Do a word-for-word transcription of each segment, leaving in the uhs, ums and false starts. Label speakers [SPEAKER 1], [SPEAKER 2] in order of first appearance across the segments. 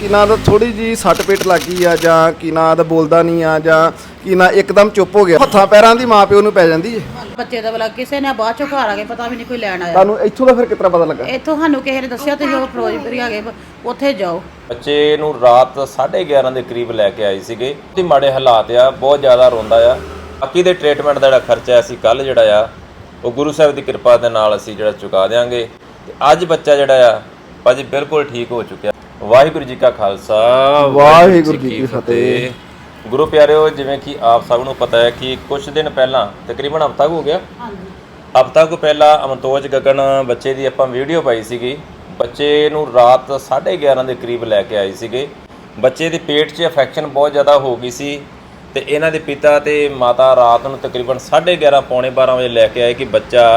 [SPEAKER 1] ਕੀ ਨਾਂ ਦਾ ਥੋੜੀ ਜੀ ਸੱਟ ਪੇਟ ਲੱਗੀ ਆ ਜਾਂ ਕੀ ਨਾਂ ਦਾ ਬੋਲਦਾ ਨਹੀਂ ਆ ਜਾਂ ਕੀ ਨਾਂ ਇੱਕਦਮ ਚੁੱਪ ਹੋ ਗਿਆ, ਹੱਥਾਂ ਪੈਰਾਂ ਦੀ ਮਾਂ ਪਿਓ ਨੂੰ ਪੈ ਜਾਂਦੀ ਏ।
[SPEAKER 2] ਬੱਚੇ ਦਾ ਬਲਾ ਕਿਸੇ ਨੇ ਬਾਅਦ ਚੋਂ ਘਰ ਆ ਕੇ ਪਤਾ ਵੀ ਨਹੀਂ ਕੋਈ ਲੈਣ ਆਇਆ।
[SPEAKER 1] ਤੁਹਾਨੂੰ ਇੱਥੋਂ ਦਾ ਫਿਰ ਕਿਤਨਾ ਪਤਾ ਲੱਗਾ?
[SPEAKER 2] ਇੱਥੋਂ ਸਾਨੂੰ ਕਿਸੇ ਨੇ ਦੱਸਿਆ ਤੁਸੀਂ ਉਹ ਫਿਰੋਜ਼ਪੁਰੀ ਆ ਗਏ ਉੱਥੇ ਜਾਓ।
[SPEAKER 3] ਬੱਚੇ ਨੂੰ ਰਾਤ ਸਾਢੇ ਗਿਆਰਾਂ ਦੇ ਕਰੀਬ ਲੈ ਕੇ ਆਏ ਸੀਗੇ। ਤੇ ਮਾੜੇ ਹਾਲਾਤ ਆ, ਬਹੁਤ ਜ਼ਿਆਦਾ ਰੋਂਦਾ ਆ। ਬਾਕੀ ਦੇ ਟ੍ਰੀਟਮੈਂਟ ਦਾ ਜਿਹੜਾ ਖਰਚਾ ਅਸੀਂ ਕੱਲ ਜਿਹੜਾ ਆ ਉਹ ਗੁਰੂ ਸਾਹਿਬ ਦੀ ਕਿਰਪਾ ਦੇ ਨਾਲ ਅਸੀਂ ਜਿਹੜਾ ਚੁਕਾ ਦਿਆਂਗੇ। ਤੇ ਅੱਜ ਬੱਚਾ ਜਿਹੜਾ ਆ ਭਾਜੀ ਬਿਲਕੁਲ ਠੀਕ ਹੋ ਚੁੱਕਿਆ। ਵਾਹਿਗੁਰੂ ਜੀ ਕਾ ਖਾਲਸਾ,
[SPEAKER 1] ਵਾਹਿਗੁਰੂ ਜੀ ਕੀ ਫਤਿਹ।
[SPEAKER 3] ਗੁਰੂ ਪਿਆਰਿਓ, ਜਿਵੇਂ ਕਿ ਆਪ ਸਭ ਨੂੰ ਪਤਾ ਹੈ ਕਿ ਕੁਝ ਦਿਨ ਪਹਿਲਾਂ ਤਕਰੀਬਨ ਹਫ਼ਤਾ ਹੋ ਗਿਆ, ਹਫ਼ਤਾ ਕੁ ਪਹਿਲਾਂ ਅਮਨਤੋਜ ਗਗਨ ਬੱਚੇ ਦੀ ਆਪਾਂ ਵੀਡੀਓ ਪਾਈ ਸੀਗੀ। ਬੱਚੇ ਨੂੰ ਰਾਤ ਸਾਢੇ ਗਿਆਰਾਂ ਦੇ ਕਰੀਬ ਲੈ ਕੇ ਆਏ ਸੀਗੇ। ਬੱਚੇ ਦੇ ਪੇਟ 'ਚ ਇਨਫੈਕਸ਼ਨ ਬਹੁਤ ਜ਼ਿਆਦਾ ਹੋ ਗਈ ਸੀ ਤੇ ਇਹਨਾਂ ਦੇ ਪਿਤਾ ਤੇ ਮਾਤਾ ਰਾਤ ਨੂੰ ਤਕਰੀਬਨ ਸਾਢੇ ਗਿਆਰਾਂ ਪੌਣੇ ਬਾਰਾਂ ਵਜੇ ਲੈ ਕੇ ਆਏ ਕਿ ਬੱਚਾ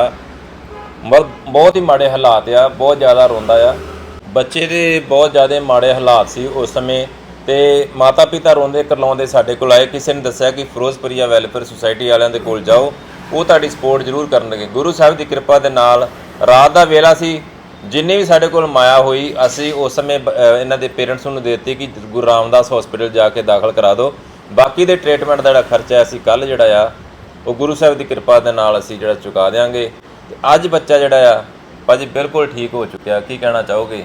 [SPEAKER 3] ਬਹੁਤ ਹੀ ਮਾੜੇ ਹਾਲਾਤ ਆ, ਬਹੁਤ ਜ਼ਿਆਦਾ ਰੋਂਦਾ ਆ। ਬੱਚੇ ਦੇ ਬਹੁਤ ਜ਼ਿਆਦਾ ਮਾੜੇ ਹਾਲਾਤ ਸੀ ਉਸ ਸਮੇਂ ਤੇ ਮਾਤਾ ਪਿਤਾ ਰੋਂਦੇ ਕਰਲਾਉਂਦੇ ਸਾਡੇ ਕੋਲ ਆਏ। ਕਿਸੇ ਨੇ ਦੱਸਿਆ ਕਿ ਫਿਰੋਜ਼ਪੁਰੀਆ ਵੈਲਫੇਅਰ ਸੁਸਾਇਟੀ ਵਾਲਿਆਂ ਦੇ ਕੋਲ ਜਾਓ, ਉਹ ਤੁਹਾਡੀ ਸਪੋਰਟ ਜ਼ਰੂਰ ਕਰਨਗੇ। ਗੁਰੂ ਸਾਹਿਬ ਦੀ ਕਿਰਪਾ ਦੇ ਨਾਲ ਰਾਤ ਦਾ ਵੇਲਾ ਸੀ, ਜਿੰਨੀ ਵੀ ਸਾਡੇ ਕੋਲ ਮਾਇਆ ਹੋਈ ਅਸੀਂ ਉਸ ਸਮੇਂ ਇਹਨਾਂ ਦੇ ਪੇਰੈਂਟਸ ਨੂੰ ਦੇ ਦਿੱਤੀ ਕਿ ਗੁਰੂ ਰਾਮਦਾਸ ਹਸਪੀਟਲ ਜਾ ਕੇ ਦਾਖਲ ਕਰਾ ਦਿਓ। ਬਾਕੀ ਦੇ ਟ੍ਰੀਟਮੈਂਟ ਦਾ ਜਿਹੜਾ ਖਰਚਾ ਅਸੀਂ ਕੱਲ ਜਿਹੜਾ ਆ ਉਹ ਗੁਰੂ ਸਾਹਿਬ ਦੀ ਕਿਰਪਾ ਦੇ ਨਾਲ ਅਸੀਂ ਜਿਹੜਾ ਚੁਕਾ ਦਿਆਂਗੇ। ਤੇ ਅੱਜ ਬੱਚਾ ਜਿਹੜਾ ਆ ਭਾਜੀ ਬਿਲਕੁਲ ਠੀਕ ਹੋ ਚੁੱਕਿਆ। ਕੀ ਕਹਿਣਾ ਚਾਹੋਗੇ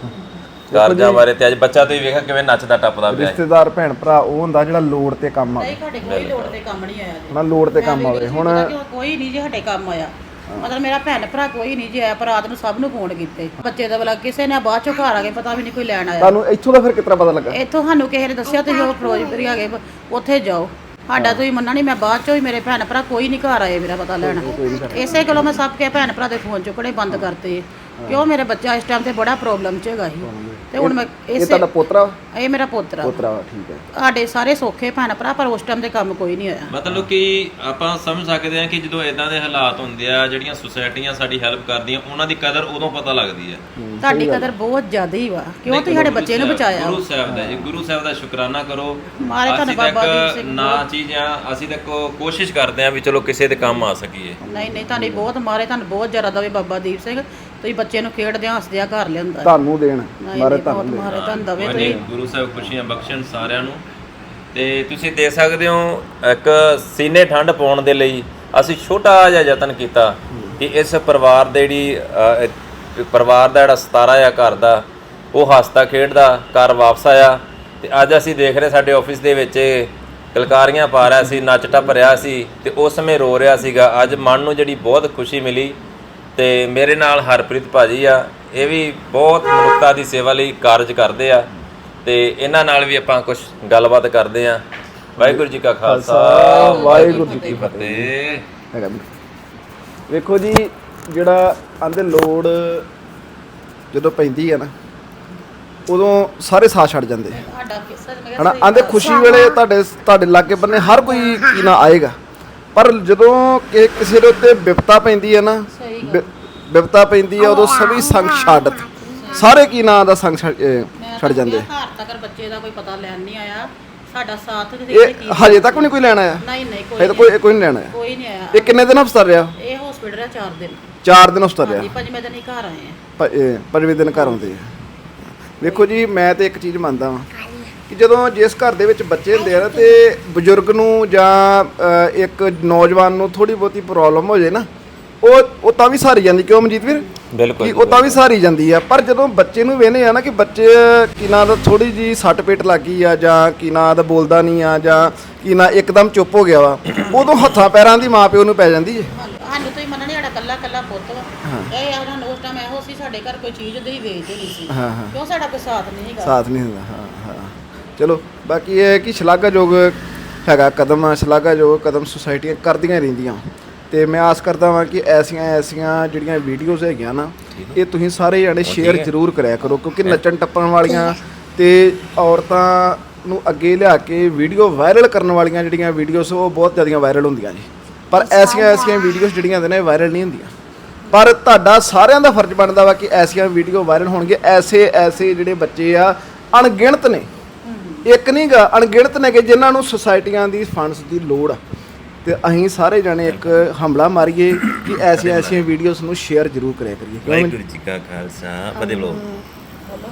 [SPEAKER 3] ਕਾਰਜਾਂ ਬਾਰੇ? ਤੇ ਅੱਜ ਬੱਚਾ ਤੁਸੀਂ ਵੇਖਿਆ ਕਿਵੇਂ ਨੱਚਦਾ ਟੱਪਦਾ ਪਿਆ।
[SPEAKER 1] ਰਿਸ਼ਤੇਦਾਰ ਭੈਣ ਭਰਾ ਉਹ ਹੁੰਦਾ ਜਿਹੜਾ ਲੋੜ ਤੇ ਕੰਮ ਆਵੇ।
[SPEAKER 2] ਨਹੀਂ, ਸਾਡੇ ਕੋਈ ਲੋੜ ਤੇ ਕੰਮ ਨਹੀਂ ਆਇਆ ਜੀ।
[SPEAKER 1] ਨਾ ਲੋੜ ਤੇ ਕੰਮ ਆਵੇ। ਹੁਣ
[SPEAKER 2] ਕੋਈ ਨਹੀਂ ਜੀ ਸਾਡੇ ਕੰਮ ਆਇਆ, ਮਤਲਬ ਮੇਰਾ ਭੈਣ ਭਰਾ ਕੋਈ ਨਹੀਂ ਜੀ ਆਇਆ, ਪਰ ਰਾਤ ਨੂੰ ਸਭ ਨੂੰ ਫੋਨ ਕੀਤੇ। ਬੱਚੇ ਦਾ ਬਲਾ ਕਿਸੇ ਨੇ ਬਾਅਦ ਚੋਂ ਘਰ ਆ ਕੇ ਪਤਾ ਵੀ ਨਹੀਂ ਕੋਈ ਲੈਣ ਆਇਆ।
[SPEAKER 1] ਤੁਹਾਨੂੰ ਇੱਥੋਂ ਦਾ ਫਿਰ ਕਿਤਨਾ ਪਤਾ ਲੱਗਾ?
[SPEAKER 2] ਇੱਥੋਂ ਸਾਨੂੰ ਕਿਸੇ ਨੇ ਦੱਸਿਆ ਤੁਸੀਂ ਉਹ ਫਿਰੋਜ਼ਪੁਰੀ ਆ ਗਏ ਉੱਥੇ ਜਾਓ। ਸਾਡਾ ਤੁਸੀਂ ਮੰਨਣਾ ਨਹੀਂ, ਮੈਂ ਬਾਅਦ ਚੋਂ ਹੀ ਮੇਰੇ ਭੈਣ ਭਰਾ ਕੋਈ ਨਹੀਂ ਘਰ ਆਏ ਮੇਰਾ ਪਤਾ ਲੈਣ। ਇਸੇ ਕੋਲੋਂ ਮੈਂ ਸਭ ਕੇ ਭੈਣ ਭਰਾ ਦੇ ਫੋਨ ਚੁੱਕਣੇ ਬੰਦ ਕਰਤੇ ਕਿਉਂ ਮੇਰੇ ਬੱਚਾ ਇਸ ਟਾਈਮ ਤੇ ਬੜਾ ਪ੍ਰੋਬਲਮ 'ਚ ਹੈਗਾ ਸੀ। ਤੇ ਹੁਣ ਮੈਂ
[SPEAKER 1] ਇਹ ਤੁਹਾਡਾ ਪੋਤਰਾ?
[SPEAKER 2] ਇਹ ਮੇਰਾ ਪੋਤਰਾ।
[SPEAKER 1] ਪੋਤਰਾ ਠੀਕ ਹੈ।
[SPEAKER 2] ਸਾਡੇ ਸਾਰੇ ਸੌਖੇ ਭੈਣ ਭਰਾ, ਪਰ ਉਸ ਟਾਈਮ ਤੇ ਕੰਮ ਕੋਈ ਨਹੀਂ ਹੋਇਆ।
[SPEAKER 3] ਮਤਲਬ ਕਿ ਆਪਾਂ ਸਮਝ ਸਕਦੇ ਹਾਂ ਕਿ ਜਦੋਂ ਇਦਾਂ ਦੇ ਹਾਲਾਤ ਹੁੰਦੇ ਆ, ਜਿਹੜੀਆਂ ਸੁਸਾਇਟੀਆਂ ਸਾਡੀ ਹੈਲਪ ਕਰਦੀਆਂ ਉਹਨਾਂ ਦੀ ਕਦਰ ਉਦੋਂ ਪਤਾ ਲੱਗਦੀ ਹੈ।
[SPEAKER 2] ਤੁਹਾਡੀ ਕਦਰ ਬਹੁਤ ਜ਼ਿਆਦਾ ਹੀ ਵਾ, ਕਿਉਂ ਤੁਸੀਂ ਸਾਡੇ ਬੱਚੇ ਨੂੰ ਬਚਾਇਆ।
[SPEAKER 3] ਗੁਰੂ ਸਾਹਿਬ ਦਾ ਜੀ, ਗੁਰੂ ਸਾਹਿਬ ਦਾ ਸ਼ੁਕਰਾਨਾ ਕਰੋ।
[SPEAKER 2] ਮਾਰੇ ਤੁਹਾਨੂੰ ਬਾਬਾ ਦੀਪ ਸਿੰਘ
[SPEAKER 3] ਨਾ ਚੀਜ਼ਾਂ ਅਸੀਂ ਤਾਂ ਕੋਸ਼ਿਸ਼ ਕਰਦੇ ਆ ਵੀ ਚਲੋ ਕਿਸੇ ਦੇ ਕੰਮ ਆ ਸਕੀਏ।
[SPEAKER 2] ਨਹੀਂ ਨਹੀਂ, ਤੁਹਾਡੀ ਬਹੁਤ ਮਾਰੇ, ਤੁਹਾਨੂੰ ਬਹੁਤ ਜ਼ਿਆਦਾ ਦਵੇ ਬਾਬਾ ਦੀਪ ਸਿੰਘ। ਤੁਸੀਂ ਬੱਚੇ ਨੂੰ ਖੇਡਦਿਆਂ ਹੱਸਦਿਆਂ ਘਰ ਲਿਆਂਦਾ।
[SPEAKER 1] ਤੁਹਾਨੂੰ ਦੇਣ ਮਾਰੇ ਤੁਹਾਨੂੰ
[SPEAKER 2] ਮਾਰੇ ਤੁਹਾਨੂੰ ਦਵੇ। ਤੁਸੀਂ
[SPEAKER 3] ਗੁਰੂ ਸਾਹਿਬ ਖੁਸ਼ੀਆਂ ਬਖਸ਼ਣ ਸਾਰਿਆਂ ਨੂੰ। ਤੇ ਤੁਸੀਂ ਦੇ ਸਕਦੇ ਹੋ ਇੱਕ ਸੀਨੇ ਠੰਡ ਪਾਉਣ ਦੇ ਲਈ ਅਸੀਂ ਛੋਟਾ ਜਿਹਾ ਯਤਨ ਕੀਤਾ ਕਿ ਇਸ ਪਰਿਵਾਰ ਦੇ ਜਿਹੜੀ ਪਰਿਵਾਰ ਦਾ ਜਿਹੜਾ ਸਤਾਰਾ ਆ ਘਰ ਦਾ, ਉਹ ਹੱਸਦਾ ਖੇਡਦਾ ਘਰ ਵਾਪਸ ਆਇਆ। ਤੇ ਅੱਜ ਅਸੀਂ ਦੇਖ ਰਹੇ ਸਾਡੇ ਆਫਿਸ ਦੇ ਵਿੱਚ ਕਲਕਾਰੀਆਂ ਪਾ ਰਿਹਾ ਸੀ, ਨੱਚ ਟੱਪ ਰਿਹਾ ਸੀ ਤੇ ਉਸ ਸਮੇਂ ਰੋ ਰਿਹਾ ਸੀਗਾ। ਅੱਜ ਮਨ ਨੂੰ ਜਿਹੜੀ ਬਹੁਤ ਖੁਸ਼ੀ ਮਿਲੀ। ਤੇ ਮੇਰੇ ਨਾਲ ਹਰਪ੍ਰੀਤ ਭਾਜੀ ਆ, ਇਹ ਵੀ ਬਹੁਤ ਮਨੁੱਖਤਾ ਦੀ ਸੇਵਾ ਲਈ ਕਾਰਜ ਕਰਦੇ ਆ ਤੇ ਇਹਨਾਂ ਨਾਲ ਵੀ ਆਪਾਂ ਕੁਝ ਗੱਲਬਾਤ ਕਰਦੇ ਆ। ਵਾਹਿਗੁਰੂ ਜੀ ਕਾ ਖਾਲਸਾ, ਵਾਹਿਗੁਰੂ ਜੀ ਕੀ ਫਤਿਹ।
[SPEAKER 1] ਵੇਖੋ ਜੀ, ਜਿਹੜਾ ਆਂਦੇ ਲੋੜ ਜਦੋਂ ਪੈਂਦੀ ਹੈ ਨਾ ਉਦੋਂ ਸਾਰੇ ਸਾਥ ਛੱਡ ਜਾਂਦੇ ਹਨਾ। ਆਂਦੇ ਖੁਸ਼ੀ ਵੇਲੇ ਤੁਹਾਡੇ ਤੁਹਾਡੇ ਲਾਗੇ ਬੰਨੇ ਹਰ ਕੋਈ ਕੀ ਨਾ ਆਏਗਾ, ਪਰ ਜਦੋਂ ਕਿ ਕਿਸੇ ਦੇ ਉੱਤੇ ਵਿਪਤਾ ਪੈਂਦੀ ਹੈ ਨਾ, ਵਿਪਤਾ ਪੈਂਦੀ ਹੈ ਉਦੋਂ ਸਭੀ ਸੰਗ ਛੱਡ ਸਾਰੇ ਕੀ ਨਾਂ ਦਾ ਸੰਗ ਛੱਡ ਜਾਂਦੇ।
[SPEAKER 2] ਘਰ ਤੱਕ ਬੱਚੇ ਦਾ ਕੋਈ ਪਤਾ ਲੈਣ ਨਹੀਂ ਆਇਆ, ਸਾਡਾ ਸਾਥ
[SPEAKER 1] ਇਹ ਹਜੇ ਤੱਕ ਵੀ ਨਹੀਂ ਕੋਈ ਲੈਣ ਆਇਆ?
[SPEAKER 2] ਨਹੀਂ ਨਹੀਂ,
[SPEAKER 1] ਕੋਈ ਕੋਈ ਕੋਈ ਨਹੀਂ ਲੈਣ ਆਇਆ।
[SPEAKER 2] ਕੋਈ ਨਹੀਂ ਆਇਆ।
[SPEAKER 1] ਇਹ ਕਿੰਨੇ ਦਿਨ ਹਸਪਤਾਲ ਰਿਹਾ?
[SPEAKER 2] ਇਹ ਹਸਪੀਟਲ ਰਿਹਾ ਚਾਰ ਦਿਨ।
[SPEAKER 1] ਚਾਰ ਦਿਨ ਹਸਪਤਾਲ ਰਿਹਾ।
[SPEAKER 2] ਪੰਜਵੇਂ ਦਿਨ ਹੀ ਘਰ ਆਏ ਆ।
[SPEAKER 1] ਪੰਜਵੇਂ ਦਿਨ ਘਰ ਆਉਂਦੇ ਆ। ਵੇਖੋ ਜੀ, ਮੈਂ ਤੇ ਇੱਕ ਚੀਜ਼ ਮੰਨਦਾ ਵਾਂ ਕਿ ਜਦੋਂ ਜਿਸ ਘਰ ਦੇ ਵਿੱਚ ਬੱਚੇ ਹੁੰਦੇ ਆ ਨਾ ਤੇ ਬਜ਼ੁਰਗ ਨੂੰ ਜਾਂ ਇੱਕ ਨੌਜਵਾਨ ਨੂੰ ਥੋੜੀ ਬਹੁਤੀ ਪ੍ਰੋਬਲਮ ਹੋ ਜੇ ਨਾ, ਉਹ ਉਹ ਤਾਂ ਵੀ ਸਹਾਰੀ ਜਾਂਦੀ। ਕਿਉਂ ਮਨਜੀਤ ਵੀਰ?
[SPEAKER 3] ਬਿਲਕੁਲ,
[SPEAKER 1] ਉਹ ਤਾਂ ਵੀ ਸਹਾਰੀ ਜਾਂਦੀ ਆ। ਪਰ ਜਦੋਂ ਬੱਚੇ ਨੂੰ ਵੇਖਦੇ ਆ ਨਾ ਕਿ ਬੱਚੇ ਕੀ ਨਾਂ ਦਾ ਥੋੜੀ ਜੀ ਸੱਟ ਪੇਟ ਲੱਗੀ ਆ ਜਾਂ ਕੀ ਨਾਂ ਦਾ ਬੋਲਦਾ ਨਹੀਂ ਆ ਜਾਂ ਕੀ ਨਾਂ ਇੱਕਦਮ ਚੁੱਪ ਹੋ ਗਿਆ ਵਾ, ਉਦੋਂ ਹੱਥਾਂ ਪੈਰਾਂ ਦੀ ਮਾਂ ਪਿਓ ਨੂੰ ਪੈ ਜਾਂਦੀ ਹੈ।
[SPEAKER 2] ਸਾਨੂੰ ਤੁਸੀਂ ਮੰਨਣਾ, ਸਾਡਾ ਕੱਲਾ ਕੱਲਾ ਪੁੱਤ ਵਾ। ਇਹ ਉਹਨਾਂ ਨੂੰ ਉਸ ਟਾਈਮ ਇਹੋ ਸੀ ਸਾਡੇ ਘਰ ਕੋਈ ਚੀਜ਼ ਦੇ ਹੀ ਵੇਚਦੇ ਨਹੀਂ ਸੀ।
[SPEAKER 1] ਹਾਂ ਹਾਂ,
[SPEAKER 2] ਕਿਉਂ ਸਾਡਾ ਕੋਈ ਸਾਥ ਨਹੀਂ ਹੈਗਾ।
[SPEAKER 1] ਸਾਥ ਨਹੀਂ ਹੁੰਦਾ। ਹਾਂ ਹਾਂ, ਚਲੋ ਬਾਕੀ ਇਹ ਹੈ ਕਿ ਸ਼ਲਾਘਾਯੋਗ ਹੈਗਾ ਕਦਮ, ਸ਼ਲਾਘਾਯੋਗ ਕਦਮ ਸੁਸਾਇਟੀਆਂ ਕਰਦੀਆਂ ਰਹਿੰਦੀਆਂ। ਤੇ ਮੈਂ ਆਸ ਕਰਦਾ ਵਾਂ ਕਿ ਐਸੀਆਂ ਐਸੀਆਂ ਜਿਹੜੀਆਂ ਵੀਡੀਓਜ਼ ਹੈਗੀਆਂ ਨਾ, ਇਹ ਤੁਸੀਂ ਸਾਰੇ ਜਾਣੇ ਸ਼ੇਅਰ ਜ਼ਰੂਰ ਕਰਿਆ ਕਰੋ, ਕਿਉਂਕਿ ਨੱਚਣ ਟੱਪਣ ਵਾਲੀਆਂ ਤੇ ਔਰਤਾਂ ਨੂੰ ਅੱਗੇ ਲਿਆ ਕੇ ਵੀਡੀਓ ਵਾਇਰਲ ਕਰਨ ਵਾਲੀਆਂ ਜਿਹੜੀਆਂ ਵੀਡੀਓਜ਼ ਉਹ ਬਹੁਤ ਜ਼ਿਆਦੀਆਂ ਵਾਇਰਲ ਹੁੰਦੀਆਂ ਜੀ। ਪਰ ਐਸੀਆਂ ਐਸੀਆਂ ਵੀਡੀਓਜ਼ ਜਿਹੜੀਆਂ ਨੇ ਵਾਇਰਲ ਨਹੀਂ ਹੁੰਦੀਆਂ। ਪਰ ਤੁਹਾਡਾ ਸਾਰਿਆਂ ਦਾ ਫਰਜ਼ ਬਣਦਾ ਵਾ ਕਿ ਐਸੀਆਂ ਵੀਡੀਓ ਵਾਇਰਲ ਹੋਣਗੇ। ਐਸੇ ਐਸੇ ਜਿਹੜੇ ਬੱਚੇ ਆ ਅਣਗਿਣਤ ਨੇ, ਇੱਕ ਨਹੀਂ ਗਾ, ਅਣਗਿਣਤ ਨੇ ਕਿ ਜਿਨ੍ਹਾਂ ਨੂੰ ਸੁਸਾਇਟੀਆਂ ਦੀ ਫੰਡਸ ਦੀ ਲੋੜ ਆ। ਤੇ ਅਸੀਂ ਸਾਰੇ ਜਾਣੇ ਇੱਕ ਹਮਲਾ ਮਾਰੀਏ ਕਿ ਐਸੀਆਂ ਐਸੀਆਂ ਵੀਡੀਓਜ਼ ਨੂੰ ਸ਼ੇਅਰ ਜ਼ਰੂਰ ਕਰਿਆ ਕਰੀਏ।
[SPEAKER 3] ਵਾਹਿਗੁਰੂ ਜੀ ਕਾ ਖਾਲਸਾ, ਫਤਿਹ ਬੋਲੋ।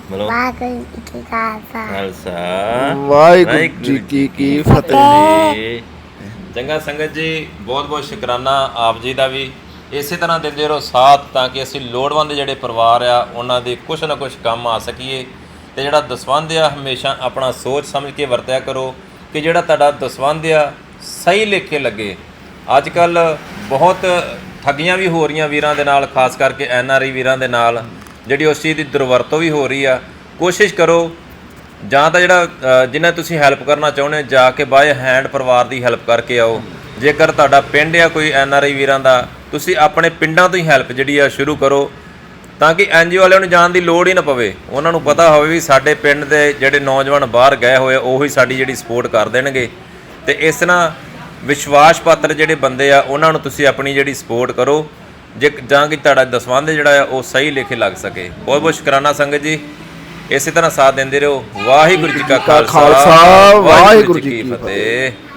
[SPEAKER 3] ਬੋਲੋ
[SPEAKER 4] ਵਾਹਿਗੁਰੂ ਜੀ ਕੀ ਖਾਲਸਾ
[SPEAKER 3] ਖਾਲਸਾ
[SPEAKER 1] ਵਾਹਿਗੁਰੂ ਜੀ ਕੀ ਕੀ ਫਤਿਹ।
[SPEAKER 3] ਜੀ। ਚੰਗਾ ਸੰਗਤ ਜੀ, ਬਹੁਤ ਬਹੁਤ ਸ਼ੁਕਰਾਨਾ ਆਪ ਜੀ ਦਾ ਵੀ। ਇਸੇ ਤਰ੍ਹਾਂ ਦਿੰਦੇ ਰਹੋ ਸਾਥ ਤਾਂ ਕਿ ਅਸੀਂ ਲੋੜਵੰਦ ਜਿਹੜੇ ਪਰਿਵਾਰ ਆ ਉਹਨਾਂ ਦੇ ਕੁਛ ਨਾ ਕੁਛ ਕੰਮ ਆ ਸਕੀਏ। ਤੇ ਜਿਹੜਾ ਦਸਵੰਧ ਆ ਹਮੇਸ਼ਾ ਆਪਣਾ ਸੋਚ ਸਮਝ ਕੇ ਵਰਤਿਆ ਕਰੋ ਕਿ ਜਿਹੜਾ ਤੁਹਾਡਾ ਦਸਵੰਧ ਆ ਸਹੀ ਲੇਖੇ ਲੱਗੇ। ਅੱਜ ਕੱਲ ਬਹੁਤ ਠੱਗੀਆਂ ਵੀ ਹੋ ਰਹੀਆਂ ਵੀਰਾਂ ਦੇ ਨਾਲ, ਖਾਸ ਕਰਕੇ ਐਨ ਆਰ ਆਈ ਵੀਰਾਂ ਦੇ ਨਾਲ, ਜਿਹੜੀ ਉਸ ਚੀਜ਼ ਦੀ ਦੁਰਵਰਤੋਂ ਵੀ ਹੋ ਰਹੀ ਆ। ਕੋਸ਼ਿਸ਼ ਕਰੋ ਜਾਂ ਤਾਂ ਜਿਹੜਾ ਜਿਨ੍ਹਾਂ ਤੁਸੀਂ ਹੈਲਪ ਕਰਨਾ ਚਾਹੁੰਦੇ ਜਾ ਕੇ ਬਾਏ ਹੈਂਡ ਪਰਿਵਾਰ ਦੀ ਹੈਲਪ ਕਰਕੇ ਆਓ। ਜੇਕਰ ਤੁਹਾਡਾ ਪਿੰਡ ਆ ਕੋਈ ਐਨ ਆਰ ਆਈ ਵੀਰਾਂ ਦਾ, ਤੁਸੀਂ ਆਪਣੇ ਪਿੰਡਾਂ ਤੋਂ ਹੀ ਹੈਲਪ ਜਿਹੜੀ ਆ ਸ਼ੁਰੂ ਕਰੋ ਤਾਂ ਕਿ ਐਨ ਜੀ ਓ ਵਾਲਿਆਂ ਨੂੰ ਜਾਣ ਦੀ ਲੋੜ ਹੀ ਨਾ ਪਵੇ। ਉਹਨਾਂ ਨੂੰ ਪਤਾ ਹੋਵੇ ਵੀ ਸਾਡੇ ਪਿੰਡ ਦੇ ਜਿਹੜੇ ਨੌਜਵਾਨ ਬਾਹਰ ਗਏ ਹੋਏ ਉਹੀ ਸਾਡੀ ਜਿਹੜੀ ਸਪੋਰਟ ਕਰ ਦੇਣਗੇ। ਤੇ ਇਸ ਤਰ੍ਹਾਂ ਵਿਸ਼ਵਾਸ ਪਾਤਰ ਜਿਹੜੇ ਬੰਦੇ ਆ ਉਹਨਾਂ ਨੂੰ ਤੁਸੀਂ ਆਪਣੀ ਜਿਹੜੀ ਸਪੋਰਟ ਕਰੋ ਜੇ ਜਾਂ ਕਿ ਤੁਹਾਡਾ ਦਸਵੰਧ ਜਿਹੜਾ ਆ ਉਹ ਸਹੀ ਲੇਖੇ ਲੱਗ ਸਕੇ। ਬਹੁਤ ਬਹੁਤ ਸ਼ੁਕਰਾਨਾ ਸੰਗਤ ਜੀ, ਇਸੇ ਤਰ੍ਹਾਂ ਸਾਥ ਦਿੰਦੇ ਰਹੋ। ਵਾਹਿਗੁਰੂ ਜੀ ਕਾ ਖਾਲਸਾ, ਵਾਹਿਗੁਰੂ ਜੀ ਕੀ ਫਤਿਹ।